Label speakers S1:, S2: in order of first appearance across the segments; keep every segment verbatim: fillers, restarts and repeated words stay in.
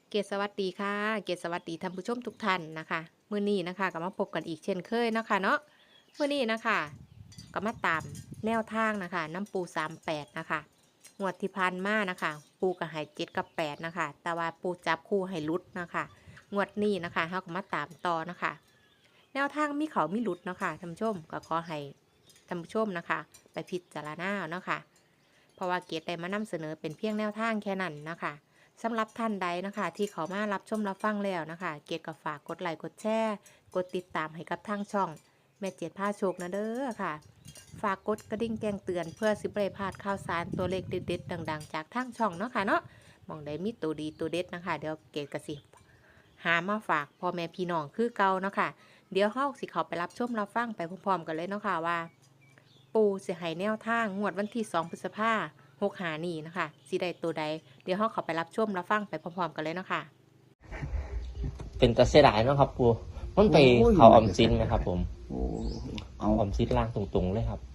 S1: เกศสวัสดีค่ะเกศสวัสดีท่านผู้ชมทุกท่านนะคะมื้อนี้นะคะก็มาพบกันอีกเช่นเคยเนาะค่ะเนาะมื้อนี้นะคะก็มาตามแนวทางนะคะน้ำปูสามแปดนะคะงวดที่ผ่านมานะคะปูกับไห่เจ็ดกับแปดนะคะแต่ว่าปูจับคู่ให้ลุดนะคะงวดนี้นะคะเขาก็มาตามต่อนะคะแนวทางมีเขามีลุดเนาะค่ะท่านผู้ชมก็ขอให้ท่านผู้ชมนะคะไปพิจารณาเนาะค่ะเพราะว่าเกศได้มานำเสนอเป็นเพียงแนวทางแค่นั้นนะคะสำหรับท่านใดนะคะที่เขามารับชมรับฟังแล้วนะคะเกียรติกับฝากกดไลค์กดแชร์กดติดตามให้กับทางช่องแม่เจ็ดผ้าโชคนะเด้อค่ะฝากกดกระดิ่งแจ้งเตือนเพื่อสิบได้พลาดข่าวสารตัวเลขเด็ดๆดังๆจากทางช่องเนาะค่ะเนาะมองได้มีตัวดีตัวเด็ดนะคะเดี๋ยวเกียรติกสิหามาฝากพ่อแม่พี่น้องคือเก่าเนาะค่ะเดี๋ยวเฮาสิเขาไปรับชมรับฟังไปพร้อมๆกันเลยเนาะค่ะว่าปูสิให้แนวทางงวดวันที่สองพฤษภาคมหกหานี่นะคะสีใดตัวใดเดี๋ยวเขาเขาไปรับชมรับฟังไปพร้อมๆกันเลยเนาะค่ะ
S2: เป็นตาเสียดายเนาะครับปูมันไปเขาออมซินไหมครับผม
S3: โอ้
S2: เอาออมซินล่างตรงๆเลยครับ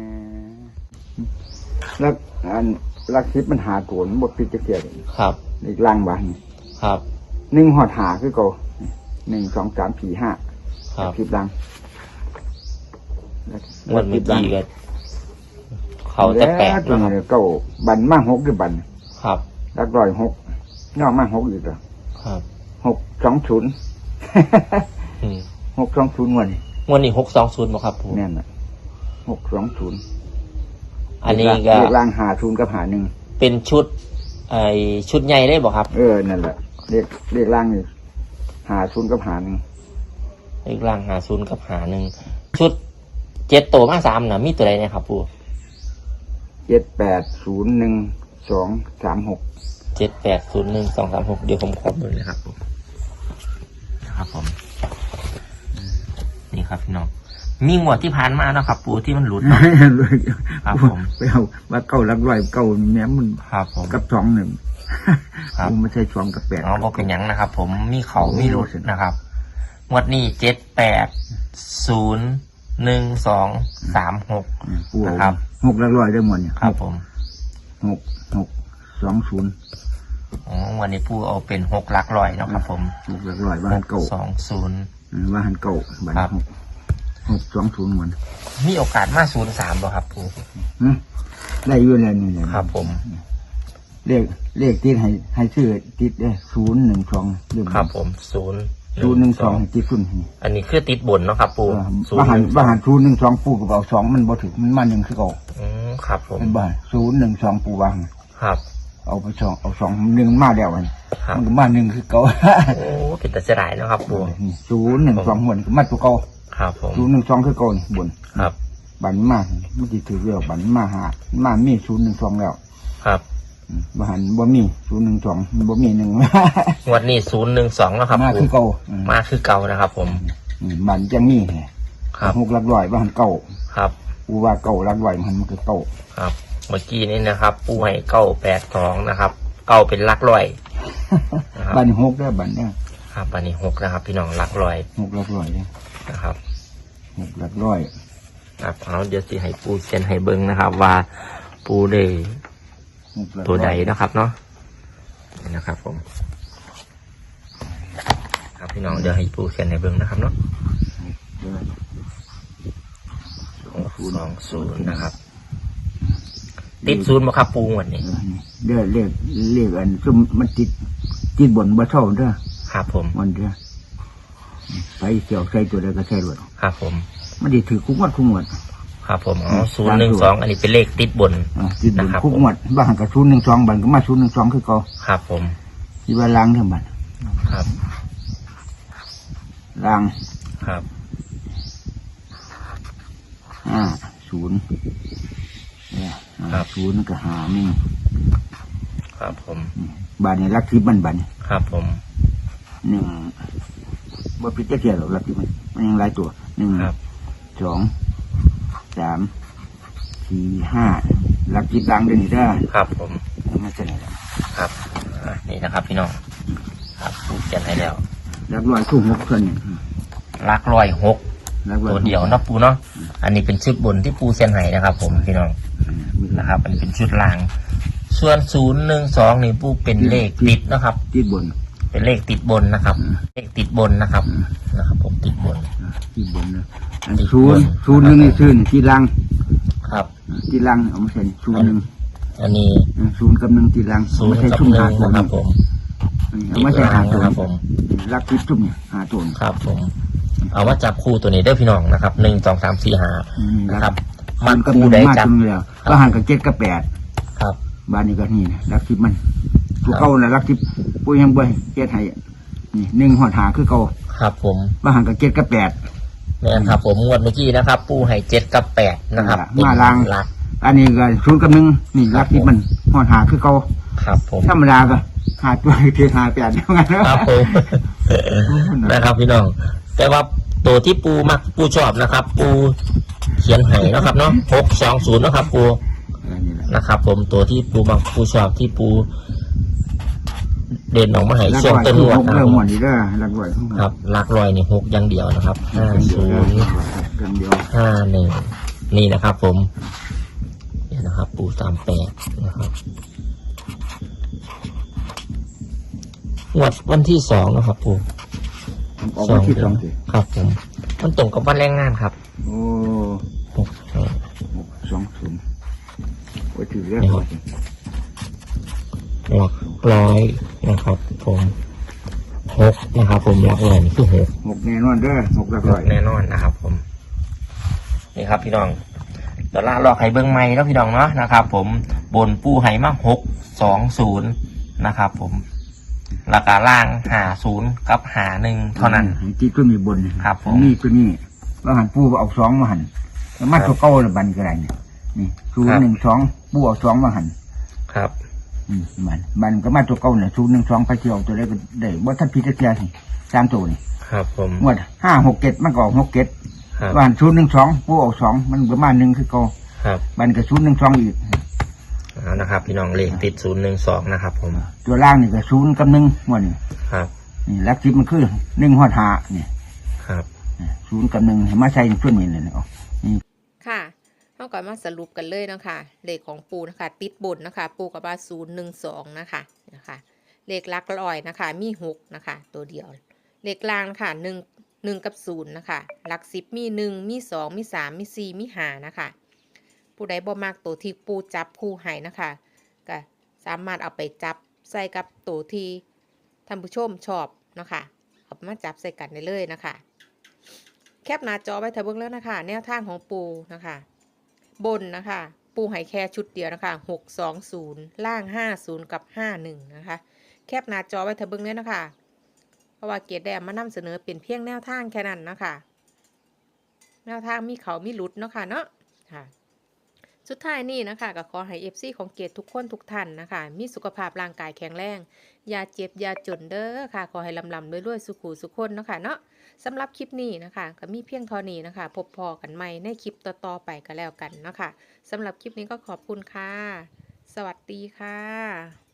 S3: แล้วอันลักทิพมันหาโกนบทพิจเกียร
S2: ครับ
S3: อีกล่างบ้าน
S2: ครับ
S3: หนึ่งหอดหาคือเก่าหนึ่งสองสามสี่ห้า
S2: ครับ
S3: คลิปล่าง
S2: มันเมื่อกี้ก็เขาจะแปด
S3: นะครับเก่าบันมากหกหรือบัน
S2: ครับ
S3: ลักร้อยหกนอกมากหกอีกเหรอ
S2: ครับ
S3: หกสองศูนย์หกสองศูนย์วัน
S2: วันนี้หกสองศูนย์บ่ครับผม
S3: แน่นอ่ะหกสองศูนย์
S2: อันนี้ก็
S3: เรียกล่างหาศูนย์กับหาหนึ่ง
S2: เป็นชุดไอชุดใหญ่ได้บ่ครับ
S3: เออนั่นแหละเรียกเรียกล่างนี่หาศูนย์กับหาหนึ่ง
S2: เรียกล่างหาศูนย์กับหาหนึ่งชุดเจ็ดตัวมาสามนะมีตัวใดเนี่ยครับปู
S3: เจ็ดแปดศูนย์หนึ่งสองสามหก
S2: เจ็ดแปดศูนย์หนึ่งสองสามหกเดี๋ยวผมขอดูเลยครับผมนะครับผมนี่ครับพี่น้องมีหมวดที่ผ่านมาแล้วครับปูที่มันหลุดครับผม
S3: ไปเอาว่าเก้าลักร้อยเก้าแม้มัน
S2: ครับผม
S3: กับสองหนึ่งครับไม่ใช่สองกับแปด
S2: อ๋อบอกเป็นยังนะครับผมมีเขามีหลุดนะครับหมวดนี้เจ็ดแปดศูนย์หนึ่งสองสามหกนะครับ
S3: หกลักร้อยได้หมดเนี่ย
S2: ครับผม
S3: หกหกสองศูนย์
S2: อ๋อวันนี้ปูเอาเป็นหกลักร้อยนะครับผม
S3: หกลักร้อยว่าหันเก่า
S2: สองศูนย์
S3: ว่าหันเก่าบัตรหกหกสองศูนย์หมด
S2: มีโอกาสมาศูนย์สามบ่ครับปู
S3: ได้ยื่นเลยนี่เลย
S2: ครับผม
S3: เลขเลขติดให้ให้ชื่อติดได้ศูนย์หนึ่งสอง
S2: ครับผมศูนย์
S3: ศูนย์หนึ่งสองติดขึ้น
S2: อันนี้คือติดบนเนาะครับปู
S3: ว่าหันว่าหันศูนย์หนึ่งสองปูกับเอาสองมันบ่ถึงมันมาหนึ่งคือเก่า
S2: อืมครับผม
S3: เป็นบ้านศูนย์หนึ่งสองปูวาง
S2: ครับ
S3: เอาไปสองเอาสองหนึ่งมาแล้วมันมันมาหนึ่งคือเก่า
S2: โอ้เป็นแต่เสียดายเนาะครับปู
S3: ศูนย์หนึ่งสองบนมาตัวเก่า
S2: ครับผม
S3: ศูนย์หนึ่งสองคือเก่าบน
S2: ครับ
S3: บันมาไม่ติดถือเรียวบันมาหามามีศูนย์หนึ่งสองแล้ว
S2: ครับ
S3: บ้านบ่มีศูนย์หนึ่งสองบ่มีหนึ่ง
S2: วันนี้ศูนย์หนึ่งสองแล้วครับ
S3: มาคือเก่า
S2: มาคือเก่านะครับผม
S3: บันจังมี
S2: ครับ
S3: หกลักร้อยบ้านเก่า
S2: ครับ
S3: ปูว่าเก่าลักร้อยมันมันคือเก่า
S2: ครับเมื่อกี้นี้นะครับปูให้เก้าแปดสองนะครับเก้าเป็นลักร้อย
S3: บันหกได้บันเนี่ย
S2: ครับบันนี้หกนะครับพี่น้องลักร้อย
S3: หกลักร้อยเนี่ย
S2: นะครับ
S3: หกลักร้อย
S2: ครับเอาเดี๋ยวสิให้ปูเขียนให้เบิ้งนะครับว่าปูได้ตัวใดนะครับเนาะนี่นะครับผมครับพี่น้องเดี๋ยวให้ปูเขียนให้เบิ้งนะครับเนาะสองศูนย์นะครับติดศูนย์มาครับปูวันนี้
S3: เด้อเรียกเรียกอันซุ่มมันติดติดบนบ่เท่าเด้อ
S2: ครับผม
S3: มันเด้อไปเกี่ยวใส่ตัวใดก็ใส่รถ
S2: ครับผม
S3: มันได้ถือคุ้มวัดคุ้มวัด
S2: ครับผมอ๋อศูนย์หนึ่งสองอันนี้เป็นเลขติดบน
S3: ติดบนคุ้มวัดบ้านกับศูนย์หนึ่งสองบันก็มาศูนย์หนึ่งสองคือเก่า
S2: ครับผม
S3: ที่ว่าล้างเท่าบัน
S2: ครับ
S3: ล้าง
S2: ครับ
S3: ห้าศูนย์ศูนย์ก็หาหนึ่ง
S2: ครับผม
S3: บันนี่ลักทิพย์มันบัน
S2: ครับผม
S3: หนึ่งว่าพิจารณาหรอกลักทิพย์มันมันยังหลายตัวหนึ่งสองสามสี่ห้าลักทิพย์ล้างเดินได้
S2: ครับผม
S3: ไม่ใช่แล้ว
S2: ครับนี่นะครับพี่น้องครับเขียนให้แล้ว
S3: ลักร้อยคู่หกคน
S2: ลักร้อยหกตัวเดียวนะปูเนาะอันนี้เป็นชุดบนที่ปูเซียนไห้นะครับผมพี่น้องนะครับอันนี้เป็นชุดล่างส่วนศูนย์หนึ่งสองนี่ปูเป็นเลขติดนะครับ
S3: ติดบน
S2: เป็นเลขติดบนนะครับ
S3: อืม
S2: เลขติดบนนะครับนะครับ ผมติดบน
S3: ที่บนนะอันศูนย์ศูนย์หนึ่งนี่ซื้อนี่ที่ลัง
S2: ครับ
S3: ที่ลังเอามาใส่ศูนย์หนึ่ง
S2: อันนี้
S3: ศูนย์กับหนึ่งที่ลัง
S2: ศู
S3: เอา
S2: น
S3: มา
S2: ย์
S3: ใส่
S2: กับ
S3: ชุ่ม
S2: หนึ่
S3: หาง ตัว
S2: นะครับผม
S3: เอามาใส่หาตัว
S2: ครับผม
S3: ลักทิพชุ่มเนี่ยหาตัว
S2: ครับผม เอามาจับคู่ตัวนี้เด้อพี่น้องนะครับหนึ่งสองสามสี่ห้านะครับ
S3: มั
S2: มัน น
S3: ก็
S2: คู่
S3: มี
S2: ใด
S3: มา
S2: จับ
S3: ตรงนี้แล้วก็หันกับเจ็ดกับแปด
S2: ครับ
S3: บ้านนี้ก็นี่นะลักทิพมันตัว
S2: ครับ
S3: เก่าน่ะลักทิพปุ้ยยังบ่เจ็ดให้นี่หนึ่งหอดหาคือเก่า
S2: ครับผม
S3: ว่าหันกับเจ็ดกับแปด
S2: แม่นครับผมงวดเมื่อกี้นะครับ ปูให้เจ็ดกับแปดนะครับ
S3: มาลาง
S2: เป็นหลัก
S3: อันนี้ก็ศูนย์กับหนึ่งนี่
S2: ครับ
S3: ลักทิพมันหอดหาคือเก่า
S2: ครับผม
S3: ธรรมดาก็หาตัวคือหาแปดเท่านั้น
S2: ครับผม นะครับพี่น้อง แต่ว่าตัวที่ปูมักปูชอบนะครับ ปูเขียนให้นะครับเนาะหกสองศูนย์นะครับ ปู
S3: อันนี้แหละ
S2: นะครับ ผมตัวที่ปูมักปูชอบที่ปู เด่นออกมาให้
S3: ลัก
S2: เชียง
S3: ร้อย
S2: ต้น
S3: คือ
S2: รวด
S3: หก
S2: นะค
S3: เริ่
S2: รับ
S3: มหมดนี่เด้อลักร้อย
S2: ครับหลักลอยนี่หกอย่างเดียวนะครับห้าศูนย์
S3: กันเดียว
S2: ห้าหนึ่งนี่นะครับ ผมเนี่ยนะครับ ปูสามแปดนะครับงวดวันที่สองนะครับ ปู
S3: ผมออกมาที่สองสิ
S2: ครับผม มันตรงกับวันแรงงานครับ
S3: โอ้
S2: หกสอง
S3: หกสองศูนย์โอ้ยถือเรื่อง
S2: นี่ครับ หลักร้อยนะครับ ผมหกนะครับ ผมหลักร้อยนี่คือหก
S3: หกแน่นอนเด้อหกลักร้อย
S2: แน่นอนนะครับ ผม นี่ครับ พี่น้องเดี๋ยวล่าลอกไห้เบิ้งไม้แล้วพี่น้องเนาะนะครับ ผมบนปูไห้มาหกสองศูนย์นะครับ ผมราคาล่างหาศูนย์กับหาหนึ่งเท่านั้น
S3: ที่ตัวมีบน
S2: ครับผม
S3: นี่ตัวนี้ว่าหันปูเอาสองมาหันแล้วมาตัวเก้าละบันก็ได้เนี่ยนี่ศูนย์หนึ่งสองปูเอาสองมาหัน
S2: ครับ
S3: อืมมันมันก็มาตัวเก้าเนี่ยศูนย์หนึ่งสองไปเที่ยวตัวได้ก็ได้ว่าท่านพิจารณาสิตามตัวนี่
S2: ครับผม
S3: งวดห้าหกเจ็ดมันก็ออกหกเจ็ด
S2: ครับ
S3: ว่าหันศูนย์หนึ่งสองปูเอาสองมันประมาณหนึ่งคือเก้า
S2: ครับ
S3: มันก็ศูนย์หนึ่งสองอีก
S2: เอานะครับ พี่น้องเลขติดศูนย์หนึ่งสองนะครับ ผม
S3: ตัวล่างนี่ก็ศูนย์กับหนึ่งงวดนี่
S2: ครับ
S3: นี่ลักทิพมันคือหนึ่งหอดหาเนี่ย
S2: ครับ
S3: ศูนย์กับหนึ่งเห็นมาใช้ช่วยมีเลยเนาะ
S1: ค่ะเราก่อนมาสรุปกันเลยนะคะเลขของปูนะคะ ติดบนนะคะ ปูกับว่าศูนย์หนึ่งสองนะคะนะคะเลขหลักร้อยนะคะ มีหกนะคะ ตัวเดียว เลขล่างนะคะหนึ่งหนึ่งกับศูนย์นะคะหลักสิบมีหนึ่งมีสองมีสามมีสี่มีห้านะคะ ผู้ใดบ่มากตัวที่ปูจับคู่ให้นะคะก็สามารถเอาไปจับใส่กับตัวที่ท่านผู้ชมชอบนะคะเอามาจับใส่กันได้เลยนะคะ แคปหน้าจอไว้เถอะเบิ่งแล้วนะคะ แนวทางของปูนะคะ บนนะคะ ปูให้แค่ชุดเดียวนะคะหกสองศูนย์ล่างห้าศูนย์กับห้าหนึ่งนะคะ แคปหน้าจอไว้เถอะเบิ่งแล้วนะคะ เพราะว่าเกียรติแดมมานำเสนอเป็นเพียงแนวทางแค่นั้นนะคะ แนวทางมีเขามีหลุดเนาะค่ะเนาะค่ะ สุดท้ายนี่นะคะก็ขอให้เอฟซีของเกียรติทุกคนทุกท่านนะคะ มีสุขภาพร่างกายแข็งแรงอย่าเจ็บอย่าจนเด้อค่ะ ขอให้ลำลำรวยๆสุขุสุขคนเนาะค่ะเนาะสำหรับคลิปนี้นะคะก็มีเพียงเท่านี้นะคะ พบพอกันใหม่ในคลิปต่อๆไปก็แล้วกันเนาะค่ะสำหรับคลิปนี้ก็ขอบคุณค่ะ สวัสดีค่ะ